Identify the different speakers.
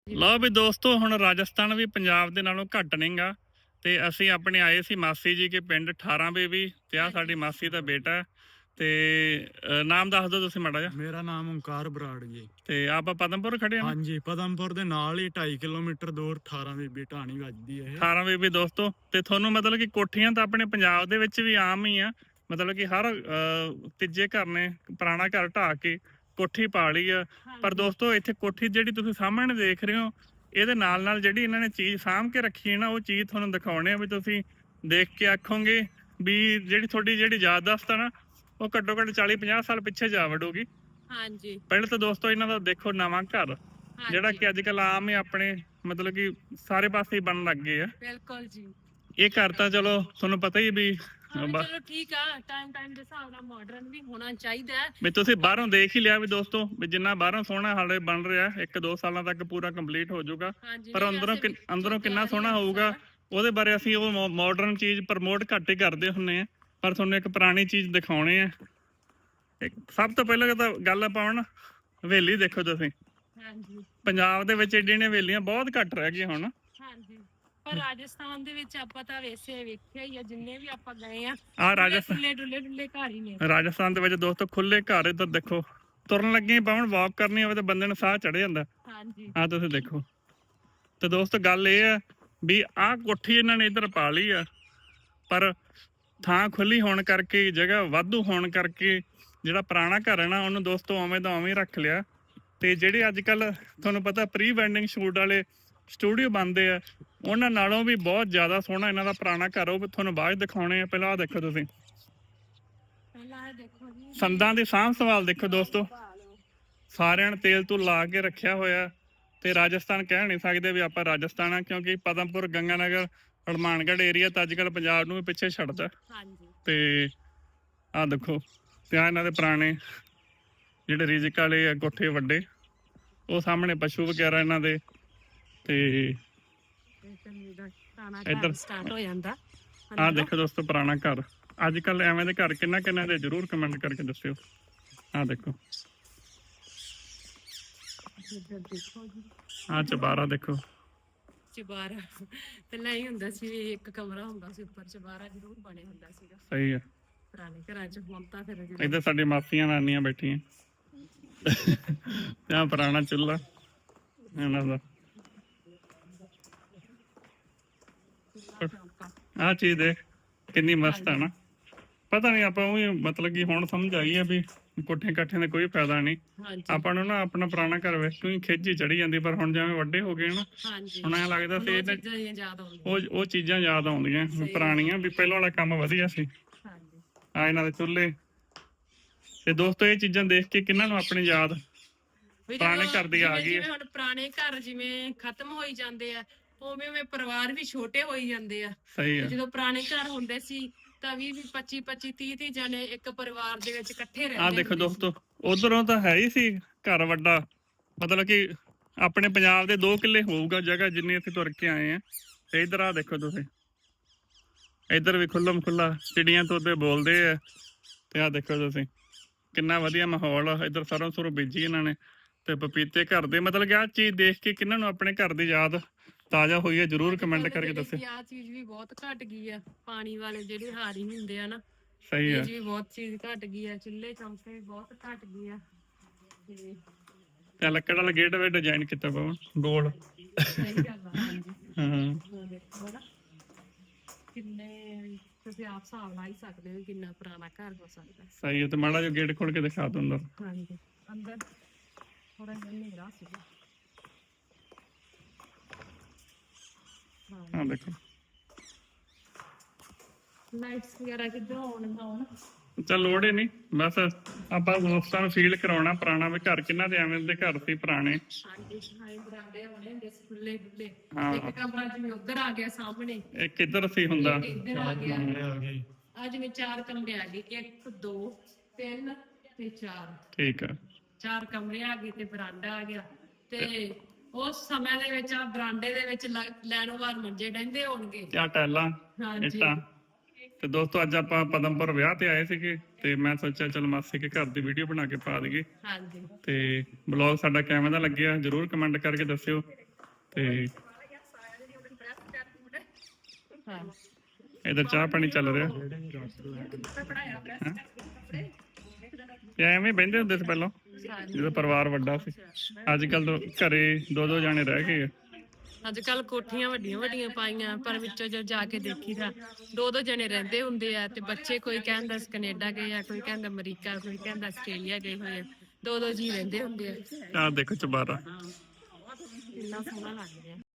Speaker 1: ਲਓ ਵੀ ਦੋਸਤੋ, ਹੁਣ ਰਾਜਸਥਾਨ ਵੀ ਪੰਜਾਬ ਦੇ ਨਾਲੋਂ ਘੱਟ ਨਹੀਂਗਾ। ਤੇ ਅਸੀਂ ਆਪਣੇ ਆਏ ਸੀ ਮਾਸੀ ਜੀ ਕੇ ਪਿੰਡ 18 ਬੇਬੀ ਤੇ ਆ ਸਾਡੀ ਮਾਸੀ ਦਾ ਬੇਟਾ ਹੈ। ਤੇ ਨਾਮ ਦੱਸ ਦਿਓ ਤੁਸੀਂ ਮਾੜਾ ਜਿਹਾ।
Speaker 2: ਮੇਰਾ ਨਾਮ ਓਂਕਾਰ ਬਰਾੜ ਜੀ।
Speaker 1: ਤੇ ਆਪਾਂ ਪਦਮਪੁਰ ਖੜੇ ਹਾਂ।
Speaker 2: ਹਾਂਜੀ, ਪਦਮਪੁਰ ਦੇ ਨਾਲ ਹੀ 2.5 ਕਿਲੋਮੀਟਰ ਦੂਰ 18 ਬੀਬੀ ਢਾਣੀ ਵੱਜਦੀ ਹੈ।
Speaker 1: 18 ਬੇਬੀ ਦੋਸਤੋ, ਤੇ ਤੁਹਾਨੂੰ ਮਤਲਬ ਕਿ ਕੋਠੀਆਂ ਤਾਂ ਆਪਣੇ ਪੰਜਾਬ ਦੇ ਵਿੱਚ ਵੀ ਆਮ ਹੀ ਆ। ਮਤਲਬ ਕਿ ਹਰ ਤੀਜੇ ਘਰ ਨੇ ਪੁਰਾਣਾ ਘਰ ਢਾਹ ਕੇ ਕੋਠੀ ਪਾ ਲਈ ਆ। ਪਰ ਦੋਸਤੋ, ਇੱਥੇ ਕੋਠੀ ਜਿਹੜੀ ਤੁਸੀਂ ਸਾਹਮਣੇ ਦੇਖ ਰਹੇ ਹੋ, ਇਹਦੇ ਨਾਲ ਨਾਲ ਜਿਹੜੀ ਇਹਨਾਂ ਨੇ ਚੀਜ਼ ਸਾਂਭ ਕੇ ਰੱਖੀ ਹੈ ਨਾ, ਉਹ ਚੀਜ਼ ਤੁਹਾਨੂੰ ਦਿਖਾਉਣੇ ਆ ਵੀ ਤੁਸੀਂ ਦੇਖ ਕੇ ਆਖੋਗੇ ਵੀ ਜਿਹੜੀ ਤੁਹਾਡੀ ਜਿਹੜੀ ਯਾਦਦਾਸ਼ਤ ਆ ਨਾ, ਉਹ ਘੱਟੋ ਘੱਟ 40-50 ਸਾਲ ਪਿੱਛੇ ਜਾ ਵੜੂਗੀ।
Speaker 3: ਹਾਂਜੀ।
Speaker 1: ਪਹਿਲਾਂ ਤਾਂ ਦੋਸਤੋ ਇਹਨਾਂ ਦਾ ਦੇਖੋ ਨਵਾਂ ਘਰ, ਜਿਹੜਾ ਕਿ ਅੱਜ ਕੱਲ ਆਮ ਹੀ ਆਪਣੇ ਮਤਲਬ ਕਿ ਸਾਰੇ ਪਾਸੇ ਹੀ ਬਣਨ ਲੱਗ ਗਏ ਆ।
Speaker 3: ਬਿਲਕੁਲ ਜੀ।
Speaker 1: ਇਹ ਘਰ ਤਾਂ ਚਲੋ ਤੁਹਾਨੂੰ ਪਤਾ ਹੀ ਵੀ
Speaker 3: ਚਲੋ ਠੀਕ ਆ, ਟਾਈਮ ਦੇ ਹਿਸਾਬ ਨਾਲ ਮਾਡਰਨ ਵੀ ਹੋਣਾ ਚਾਹੀਦਾ ਹੈ।
Speaker 1: ਵੀ ਤੁਸੀਂ ਬਾਹਰੋਂ ਦੇਖ ਹੀ ਲਿਆ ਵੀ ਦੋਸਤੋ, ਵੀ ਜਿੰਨਾ ਬਾਹਰੋਂ ਸੋਹਣਾ ਹਾਲੇ ਬਣ ਰਿਹਾ 1-2 ਸਾਲਾਂ ਤੱਕ ਪੂਰਾ ਕੰਪਲੀਟ ਹੋ ਜਾਊਗਾ। ਪਰ ਅੰਦਰੋਂ ਕਿੰਨਾ ਸੋਹਣਾ ਹੋਊਗਾ, ਉਹਦੇ ਬਾਰੇ ਅਸੀਂ ਉਹ ਮਾਡਰਨ ਚੀਜ਼ ਪ੍ਰਮੋਟ ਘੱਟ ਹੀ ਕਰਦੇ ਹੁੰਨੇ ਆ। ਪਰ ਤੁਹਾਨੂੰ ਇੱਕ ਪੁਰਾਣੀ ਚੀਜ਼ ਦਿਖਾਉਣੇ ਆ। ਸਭ ਤੋਂ ਪਹਿਲਾਂ ਤਾਂ ਗੱਲ ਆਪਾਂ ਹੁਣ ਹਵੇਲੀ ਦੇਖੋ ਤੁਸੀਂ।
Speaker 3: ਹਾਂਜੀ।
Speaker 1: ਪੰਜਾਬ ਦੇ ਵਿੱਚ ਏਡੀਆਂ ਹਵੇਲੀਆਂ ਬਹੁਤ ਘੱਟ ਰਹਿ ਗਈਆਂ ਹੁਣ।
Speaker 3: ਹਾਂਜੀ, ਪਰ ਰਾਜਸਥਾਨ ਦੇ ਵਿੱਚ ਆਪਾਂ ਤਾਂ ਵੈਸੇ ਵੇਖਿਆ ਹੀ ਆ, ਜਿੰਨੇ ਵੀ ਆਪਾਂ ਗਏ ਆ
Speaker 1: ਰਾਜਸਥਾਨ
Speaker 3: ਡੁੱਲੇ ਘਰ ਹੀ ਨੇ।
Speaker 1: ਰਾਜਸਥਾਨ ਦੇ ਵਿੱਚ ਦੋਸਤੋ ਖੁੱਲੇ ਘਰ, ਇੱਧਰ ਦੇਖੋ ਤੁਰਨ ਲੱਗੇ ਪਾਉਣ ਵਾਕ ਕਰਨੀ ਹੋਵੇ ਤਾਂ ਬੰਦੇ ਨੂੰ ਸਾਹ ਚੜ ਜਾਂਦਾ।
Speaker 3: ਹਾਂਜੀ,
Speaker 1: ਆਹ ਤੁਸੀਂ ਦੇਖੋ। ਤੇ ਦੋਸਤੋ ਗੱਲ ਇਹ ਆ ਵੀ ਆਹ ਕੋਠੀ ਇਹਨਾਂ ਨੇ ਇੱਧਰ ਪਾ ਲਈ ਆ, ਪਰ ਥਾਂ ਖੁੱਲੀ ਹੋਣ ਕਰਕੇ, ਜਗ੍ਹਾ ਵਾਧੂ ਹੋਣ ਕਰਕੇ ਜਿਹੜਾ ਪੁਰਾਣਾ ਘਰ ਹੈ ਨਾ, ਉਹਨੂੰ ਦੋਸਤੋ ਉਵੇਂ ਦਾ ਉਵੇਂ ਰੱਖ ਲਿਆ। ਤੇ ਜਿਹੜੇ ਅੱਜ ਕੱਲ ਤੁਹਾਨੂੰ ਪਤਾ ਪ੍ਰੀ ਵੈਡਿੰਗ ਸ਼ੂਟ ਵਾਲੇ ਸਟੂਡੀਓ ਬਣਦੇ ਆ, ਉਹਨਾਂ ਨਾਲੋਂ ਵੀ ਬਹੁਤ ਜ਼ਿਆਦਾ ਸੋਹਣਾ ਇਹਨਾਂ ਦਾ ਪੁਰਾਣਾ ਘਰ, ਉਹ ਤੁਹਾਨੂੰ ਬਾਅਦ ਦਿਖਾਉਣੇ ਆ। ਪਹਿਲਾਂ ਆਹ ਦੇਖੋ ਤੁਸੀਂ, ਸੰਦਾਂ ਦੀ ਸਾਂਭ ਸੰਭਾਲ ਦੇਖੋ ਦੋਸਤੋ। ਸਾਰਿਆਂ ਨੇ ਤੇਲ ਤੋਂ ਲਾ ਕੇ ਰੱਖਿਆ ਹੋਇਆ। ਤੇ ਰਾਜਸਥਾਨ ਕਹਿ ਨਹੀਂ ਸਕਦੇ ਵੀ ਆਪਾਂ ਰਾਜਸਥਾਨ ਆ, ਕਿਉਂਕਿ ਪਦਮਪੁਰ, ਗੰਗਾਨਗਰ, ਹਨੂਮਾਨਗੜ੍ਹ ਏਰੀਆ ਤਾਂ ਅੱਜ ਕੱਲ ਪੰਜਾਬ ਨੂੰ ਵੀ ਪਿੱਛੇ ਛੱਡਦਾ। ਤੇ ਆਹ ਦੇਖੋ, ਤੇ ਆਹ ਇਹਨਾਂ ਦੇ ਪੁਰਾਣੇ ਜਿਹੜੇ ਰਿਜਕ ਵਾਲੇ ਆ ਕੋਠੇ ਵੱਡੇ, ਉਹ ਸਾਹਮਣੇ ਪਸ਼ੂ ਵਗੈਰਾ ਇਹਨਾਂ ਦੇ। ਤੇ ਇੱਧਰ
Speaker 3: ਸਟਾਰਟ ਹੋ ਜਾਂਦਾ।
Speaker 1: ਆਹ ਦੇਖੋ ਦੋਸਤੋ ਪੁਰਾਣਾ ਘਰ। ਅੱਜ ਕੱਲ ਐਵੇਂ ਦੇ ਘਰ ਕਿੰਨਾ ਦੇ ਜ਼ਰੂਰ ਕਮੈਂਟ ਕਰਕੇ ਦੱਸਿਓ। ਆਹ ਦੇਖੋ, ਆਹ ਚਬਾਰਾ ਦੇਖੋ।
Speaker 3: ਚਬਾਰਾ ਪਹਿਲਾਂ ਹੀ ਹੁੰਦਾ ਸੀ, ਇੱਕ ਕਮਰਾ ਹੁੰਦਾ ਸੀ ਉੱਪਰ, ਚਬਾਰਾ ਜ਼ਰੂਰ ਬਣੇ ਹੁੰਦਾ ਸੀਗਾ।
Speaker 1: ਸਹੀ ਆ।
Speaker 3: ਪੁਰਾਣੇ ਘਰਾਂ 'ਚ ਹੁਣ ਤਾਂ ਫਿਰ
Speaker 1: ਇੱਧਰ ਸਾਡੀ ਮਾਸੀਆਂ ਨਾਨੀਆਂ ਬੈਠੀਆਂ। ਤੇ ਆਹ ਪੁਰਾਣਾ ਚੁੱਲ੍ਹਾ ਇਹਨਾਂ ਦਾ। ਆਹ ਚੀਜ਼ ਦੇਖ ਕਿੰਨੀ ਮਸਤ ਆ ਨਾ। ਪਤਾ ਨਹੀਂ ਆਪਾਂ ਉਹੀ ਮਤਲਬ ਕਿ ਹੁਣ ਸਮਝ ਆਈ ਆ ਵੀ ਕੋਠੇ ਕਾਠਿਆਂ ਦਾ ਕੋਈ ਫਾਇਦਾ ਨਹੀਂ। ਆਪਾਂ ਨੂੰ ਨਾ ਆਪਣਾ ਪੁਰਾਣਾ ਘਰ ਵੇਖ ਕੇ ਖਿੱਚ ਹੀ ਚੜੀ ਜਾਂਦੀ। ਪਰ ਹੁਣ ਜਿਵੇਂ ਵੱਡੇ ਹੋ ਗਏ ਨਾ, ਹੁਣ ਐਂ ਲੱਗਦਾ ਸੀ ਉਹ ਚੀਜ਼ਾਂ ਯਾਦ ਆਉਂਦੀਆਂ ਪੁਰਾਣੀਆਂ, ਵੀ ਪਹਿਲਾਂ ਵਾਲਾ ਕੰਮ ਵਧੀਆ ਸੀ। ਆ ਇਹਨਾਂ ਦੇ ਚੁੱਲ੍ਹੇ। ਤੇ ਦੋਸਤੋ, ਇਹ ਚੀਜ਼ਾਂ ਦੇਖ ਕੇ ਕਿੰਨਾਂ ਨੂੰ ਆਪਣੀ ਯਾਦ ਪੁਰਾਣੇ ਘਰ ਦੀ ਆ ਗਈ।
Speaker 3: ਹੁਣ ਪੁਰਾਣੇ ਘਰ ਜਿਵੇਂ ਖਤਮ ਹੋਈ ਜਾਂਦੇ ਆ, ਉਵੇਂ ਪਰਿਵਾਰ ਵੀ ਛੋਟੇ ਹੋਈ ਜਾਂਦੇ ਆ।
Speaker 1: ਸਹੀ ਆ।
Speaker 3: ਜਦੋਂ ਪੁਰਾਣੇ ਘਰ ਹੁੰਦੇ ਸੀ ਤਾਂ 20-25 30 ਜਣੇ ਇੱਕ ਪਰਿਵਾਰ ਦੇ ਵਿੱਚ ਇਕੱਠੇ ਰਹਿੰਦੇ।
Speaker 1: ਆਹ ਦੇਖੋ ਦੋਸਤੋ, ਉਧਰੋਂ ਤਾਂ ਹੈ ਹੀ ਸੀ ਘਰ ਵੱਡਾ, ਮਤਲਬ ਕਿ ਆਪਣੇ ਪੰਜਾਬ ਦੇ 2 ਕਿੱਲੇ ਹੋਊਗਾ ਜਗ੍ਹਾ ਜਿੰਨੀ ਅਸੀਂ ਤੁਰ ਕੇ ਆਏ ਆ। ਤੇ ਇੱਧਰ ਆਹ ਦੇਖੋ ਤੁਸੀਂ, ਇੱਧਰ ਵੀ ਖੁੱਲਮ ਖੁੱਲਾ ਚਿੜੀਆਂ ਤੋਤੇ ਬੋਲਦੇ ਆ। ਤੇ ਆਹ ਦੇਖੋ ਤੁਸੀਂ ਕਿੰਨਾ ਵਧੀਆ ਮਾਹੌਲ ਆ। ਇੱਧਰ ਸਰੋਂ ਸੁਰੋਂ ਬੀਜੀ ਇਹਨਾਂ ਨੇ, ਤੇ ਪਪੀਤੇ ਘਰ ਦੇ। ਮਤਲਬ ਕਿ ਆਹ ਚੀਜ਼ ਦੇਖ ਕੇ ਕਿਹਨਾਂ ਨੂੰ ਆਪਣੇ ਘਰ ਦੀ ਯਾਦ ਤਾਜ਼ਾ ਹੋਈ ਹੈ, ਜਰੂਰ ਕਮੈਂਟ ਕਰਕੇ ਦੱਸਿਓ।
Speaker 3: ਆਹ ਚੀਜ਼ ਵੀ ਬਹੁਤ ਘਟ ਗਈ ਆ, ਪਾਣੀ ਵਾਲੇ ਜਿਹੜੇ ਹਾਰੀ ਹੁੰਦੇ ਆ ਨਾ।
Speaker 1: ਸਹੀ ਆ।
Speaker 3: ਜੀ ਬਹੁਤ ਚੀਜ਼ ਘਟ ਗਈ ਆ, ਚੁੱਲ੍ਹੇ ਚੌਂਕੇ ਵੀ ਬਹੁਤ ਘਟ ਗਏ ਆ।
Speaker 1: ਤੇ ਲੱਕੜ ਵਾਲਾ ਗੇਟ ਵੀ ਡਿਜ਼ਾਈਨ ਕੀਤਾ ਪਵਨ ਗੋਲ।
Speaker 3: ਸਹੀ ਗੱਲ ਆ।
Speaker 1: ਹਾਂ,
Speaker 3: ਕਿੰਨੇ ਤੁਸੀਂ ਆਪ ਹਿਸਾਬ ਲਾ ਹੀ ਸਕਦੇ ਹੋ ਕਿੰਨਾ ਪੁਰਾਣਾ ਘਰ ਹੋ ਸਕਦਾ।
Speaker 1: ਸਹੀ ਹੈ। ਤੇ ਮਾੜਾ ਜਿਹਾ ਗੇਟ ਖੋਲ ਕੇ ਦਿਖਾ ਦੋ ਅੰਦਰ।
Speaker 3: ਹਾਂਜੀ, ਅੰਦਰ ਥੋੜਾ ਜਿਹਾ ਹਨੇਰਾ ਸੀਗਾ।
Speaker 1: ਹਾਂ ਦੇਖੋ,
Speaker 3: ਲਾਈਟਸ ਵਗੈਰਾ ਕਿੱਧਰੋਂ ਆਉਣ।
Speaker 1: ਚੱਲ ਲੋੜ ਹੀ ਨਹੀਂ, ਬਸ ਆਪਾਂ ਦੋਸਤਾਂ ਨੂੰ ਫੀਲ ਕਰਾਉਣਾ ਪੁਰਾਣਾ ਵੀ ਘਰ ਕਿੰਨਾ ਦੇ ਐਵੇਂ ਦੇ ਘਰ ਸੀ ਪੁਰਾਣੇ।
Speaker 3: ਬਰਾਂਡੇ ਹੋਣੇ ਹੁੰਦੇ ਸੀ ਖੁੱਲੇ ਖੁੱਲੇ। ਇੱਕ ਕਮਰਾ ਜਿਵੇਂ ਉੱਧਰ ਆ ਗਿਆ ਸਾਹਮਣੇ,
Speaker 1: ਇੱਕ ਕਿੱਧਰ ਸੀ ਹੁੰਦਾ।
Speaker 3: ਇੱਧਰ ਆ ਗਿਆ। ਆ ਜਿਵੇਂ 4 ਕਮਰੇ ਆ ਗਏ, 1 2 3 ਤੇ 4।
Speaker 1: ਠੀਕ ਆ,
Speaker 3: 4 ਕਮਰੇ ਆ ਗਏ ਤੇ ਬਰਾਂਡਾ ਆ ਗਿਆ। ਤੇ ਉਸ ਸਮੇਂ ਦੇ ਵਿੱਚ ਆ ਬਰਾਂਡੇ ਦੇ ਵਿੱਚ ਲੈਣੋ ਵਾਰ ਮੰਜੇ ਡਹਿੰਦੇ ਹੋਣਗੇ,
Speaker 1: ਆ ਟੈਲਾਂ ਇੱਟਾਂ। ਤੇ ਦੋਸਤੋ, ਅੱਜ ਆਪਾਂ ਪਦਮਪੁਰ ਵਿਆਹ ਤੇ ਆਏ ਸੀਗੇ, ਤੇ ਮੈਂ ਸੋਚਿਆ ਚਲ ਮਾਸੀ ਕੇ ਘਰ ਦੀ ਵੀਡੀਓ ਬਣਾ ਕੇ ਪਾ ਦਈਏ। ਤੇ ਬਲੌਗ ਸਾਡਾ ਕਿਵੇਂ ਦਾ ਲੱਗਿਆ ਜਰੂਰ ਕਮੈਂਟ ਕਰਕੇ ਦੱਸਿਓ। ਤੇ
Speaker 3: ਹਾਂ
Speaker 1: ਇਧਰ ਚਾਹ ਪਾਣੀ ਚੱਲ ਰਿਹਾ। ਤੇ ਐਵੇਂ ਬਹਿੰਦੇ ਹੁੰਦੇ ਸੀ ਪਹਿਲਾਂ ਜਦੋਂ ਪਰਿਵਾਰ ਵੱਡਾ ਸੀ। ਅੱਜ ਕੱਲ ਤਾਂ ਘਰੇ 2-2 ਜਾਣੇ ਰਹਿ ਗਏ ਆ।
Speaker 3: ਅੱਜ ਕੱਲ ਕੋਠੀਆਂ ਵੱਡੀਆਂ ਵੱਡੀਆਂ ਪਾਈਆਂ, ਪਰ ਵਿੱਚੋਂ ਜਦ ਜਾ ਕੇ ਦੇਖੀਦਾ 2-2 ਜਣੇ ਰਹਿੰਦੇ ਹੁੰਦੇ ਆ। ਤੇ ਬੱਚੇ ਕੋਈ ਕਹਿੰਦਾ ਕੈਨੇਡਾ ਗਏ ਆ, ਕੋਈ ਕਹਿੰਦਾ ਅਮਰੀਕਾ, ਕੋਈ ਕਹਿੰਦਾ ਆਸਟ੍ਰੇਲੀਆ ਗਏ ਹੋਏ ਆ। 2-2 ਜੀ ਰਹਿੰਦੇ ਹੁੰਦੇ ਆ।
Speaker 1: ਆਹ ਦੇਖੋ ਚੁਬਾਰਾ
Speaker 3: ਕਿੰਨਾ ਸੋਹਣਾ ਲੱਗ ਰਿਹਾ।